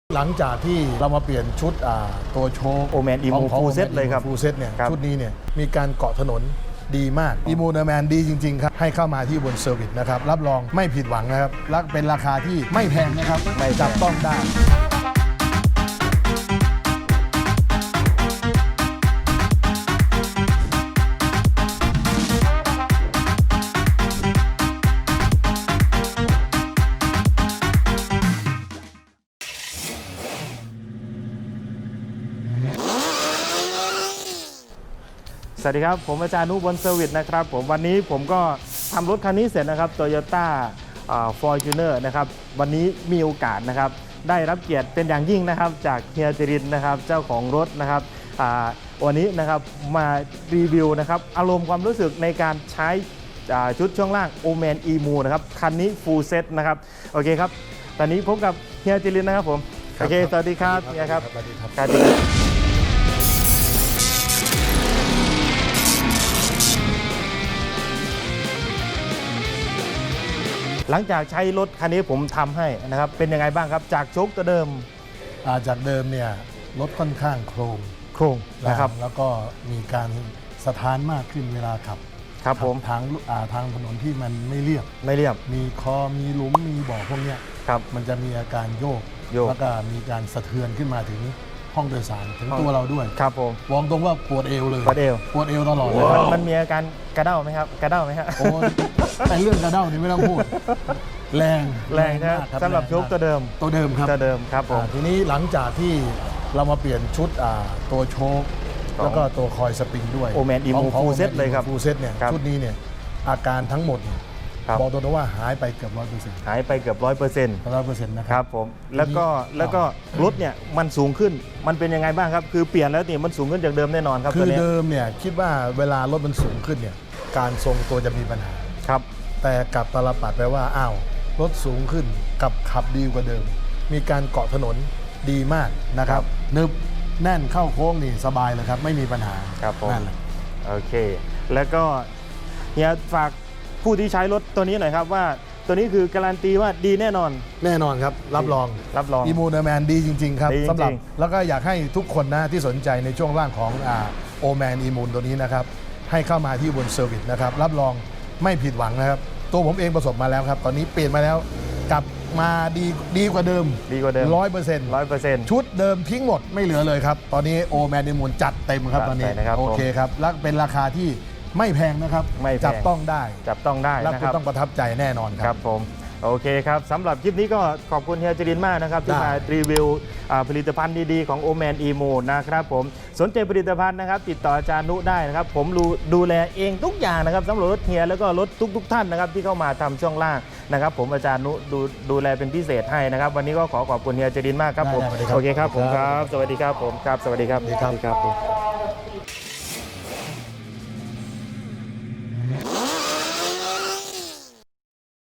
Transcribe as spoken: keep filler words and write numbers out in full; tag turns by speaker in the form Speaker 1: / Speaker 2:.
Speaker 1: หลังจากที่เรามาเปลี่ยนชุดตัวโชว์
Speaker 2: โอแมนอีโมฟูลเซตเลยครับ
Speaker 1: ฟูลเซตเนี่ยชุดนี้เนี่ยมีการเกาะถนนดีมากอีโมเนอร์แมนดีจริงๆครับให้เข้ามาที่บนเซอร์วิสนะครับรับรองไม่ผิดหวังนะครับและเป็นราคาที่ไม่แพงนะครับไม่จับต้องได้
Speaker 2: สวัสดีครับผมอาจารย์นุบนเซอร์วิสนะครับผมวันนี้ผมก็ทำรถคันนี้เสร็จนะครับ Toyota Fortuner นะครับวันนี้มีโอกาสนะครับได้รับเกียรติเป็นอย่างยิ่งนะครับจากเฮียจรินนะครับเจ้าของรถนะครับวันนี้นะครับมารีวิวนะครับอารมณ์ความรู้สึกในการใช้ชุดช่วงล่าง โอแมน อี-Mo นะครับคันนี้ Full Set นะครับโอเคครับตอนนี้พบกับเฮียจรินนะครับผมโอเคสวัสดีครับเฮียครับสวัสดีครับหลังจากใช้รถคันนี้ผมทำให้นะครับเป็นยังไงบ้างครับจากโชคตัวเดิม
Speaker 1: จากเดิมเนี่ยรถค่อนข้างโครง
Speaker 2: โครงนะครับ
Speaker 1: แล้วก็มีการสะท้านมากขึ้นเวลาขับ
Speaker 2: ครับผม
Speaker 1: ทางทางถนนที่มันไม่เรียบ
Speaker 2: ไม่เรียบ
Speaker 1: มีคอมีหลุมมีบ่อพวกนี้
Speaker 2: ครับ
Speaker 1: มันจะมีอาการโยกแล้วก็มีการสะเทือนขึ้นมาถึงห้องโดยสารถึงตัวเราด้วย
Speaker 2: ครับผม
Speaker 1: วองตรงว่าปวดเอวเลย
Speaker 2: ปวดเอว
Speaker 1: ปวดเอวตลอดเลย
Speaker 2: มันมีอาการกระเด้าไหมครับกระเด้าไหมครับ
Speaker 1: โอ้ไอเรื่องกระเด้านี่ไม่ต้องพูดแรง
Speaker 2: แรงนะสำหรับโชคตัวเดิม
Speaker 1: ตัวเดิมครับ
Speaker 2: ตัวเดิมครับผม
Speaker 1: ทีนี้หลังจากที่เรามาเปลี่ยนชุดตัวโชคแล้วก็ตัวคอยสปริงด้วย
Speaker 2: โอแมนอีโมฟูลเซตเลยครับ
Speaker 1: ฟูลเซตเนี่ยชุดนี้เนี่ยอาการทั้งหมดบอกตัวว่าหายไปเกือบร้อยเปอร์เซ็นต์
Speaker 2: หายไปเกือบร้อยเปอร์เซ็นต์
Speaker 1: ร้อยเปอร์เซ็นต์นะค
Speaker 2: รับผมแล้วก็แล้วก็รถเนี่ยมันสูงขึ้นมันเป็นยังไงบ้างครับคือเปลี่ยนแล้วเนี่ยมันสูงขึ้นจากเดิมแน่นอนครับ
Speaker 1: คือเดิมเนี่ยคิดว่าเวลารถมันสูงขึ้นเนี่ยการทรงตัวจะมีปัญหา
Speaker 2: ครับ
Speaker 1: แต่กลับตลปัดไปว่าอ้าวรถสูงขึ้นกับขับดีกว่าเดิมมีการเกาะถนนดีมากนะครับนึบแน่นเข้าโค้งนี่สบายเลยครับไม่มีปัญหา
Speaker 2: ครับผม
Speaker 1: นั่นแหละ
Speaker 2: โอเคแล้วก็เนี่ยฝากผู้ที่ใช้รถตัวนี้หน่อยครับว่าตัวนี้คือการันตีว่าดีแน่นอน
Speaker 1: แน่นอนครับรับรอง
Speaker 2: รับรอง
Speaker 1: อีโมเนอร์แมนดีจริงๆครับสำหรับแล้วก็อยากให้ทุกคนนะที่สนใจในช่วงล่างของโอแมนอีโมนตัวนี้นะครับให้เข้ามาที่บนเซอร์วิสนะครับรับรองไม่ผิดหวังนะครับตัวผมเองประสบมาแล้วครับตอนนี้เปลี่ยนมาแล้วกลับมาดีดีกว่าเดิม
Speaker 2: ดีกว่าเดิม
Speaker 1: ร้อยเปอร์เซ็นต์
Speaker 2: ร้อยเปอร์เซ็นต์
Speaker 1: ชุดเดิมทิ้งหมดไม่เหลือเลยครับตอนนี้โอแมนอีโมนจัดเต็มครับตอนนี้โอเคครับและเป็นราคาที่ไม่แพงนะครับจับต้องได้
Speaker 2: จับต้องได้
Speaker 1: และคุณต้องประทับใจแน่นอนครับ
Speaker 2: ครับผมโอเคครับสำหรับคลิปนี้ก็ขอบคุณเฮียจรินมากนะครับที่มารีวิวผลิตภัณฑ์ดีๆของโอแมนอีโมนะครับผมสนใจผลิตภัณฑ์นะครับติดต่ออาจารย์นุได้นะครับผมดูแลเองทุกอย่างนะครับสำหรับรถเฮียแล้วก็รถทุกๆท่านนะครับที่เข้ามาทำช่วงล่างนะครับผมอาจารย์นุดูดูแลเป็นพิเศษให้นะครับวันนี้ก็ขอขอบคุณเฮียจรินมากครับผมโอเคครับผมครับสวัสดีครับผมครับสวัสดีครับ
Speaker 1: สวัสดีครับ